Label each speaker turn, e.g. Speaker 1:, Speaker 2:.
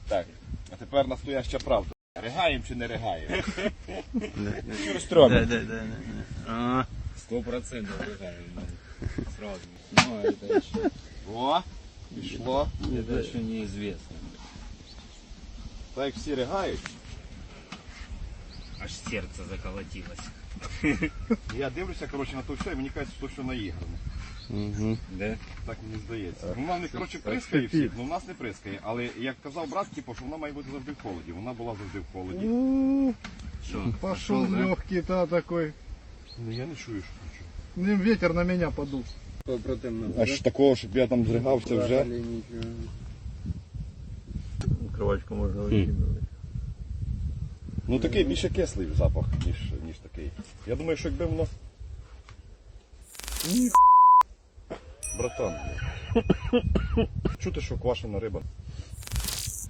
Speaker 1: Так, а тепер настояща правда. Ригаємо чи не ригаємо? Що стробимо?
Speaker 2: 100% ригаємо. Сразу. Ну, это еще...
Speaker 1: О, пішло.
Speaker 2: Это еще неизвестно.
Speaker 1: Так як всі ригають.
Speaker 2: Аж сердце заколотилось.
Speaker 1: Я дивлюся, коротше, на то все, і мені кажуть, що то все наіграно.
Speaker 2: Да?
Speaker 1: Так мені здається. Ну, вона не, коротше, прискає всіх, ну в нас не прискає. Але як казав брат, типу, що вона має бути завжди в холоді. Вона була завжди в холоді.
Speaker 2: Что?
Speaker 3: Пошел легкий, да, такой.
Speaker 1: Ну я не чую, що хочу.
Speaker 3: Ветер на меня подул.
Speaker 1: Аж такого, щоб я там зригався вже.
Speaker 3: Кровачку можно выкидывать.
Speaker 1: Ну такий більше кислий запах, ніж такий. Я думаю, що якби воно... Братан. Чути, що квашена риба.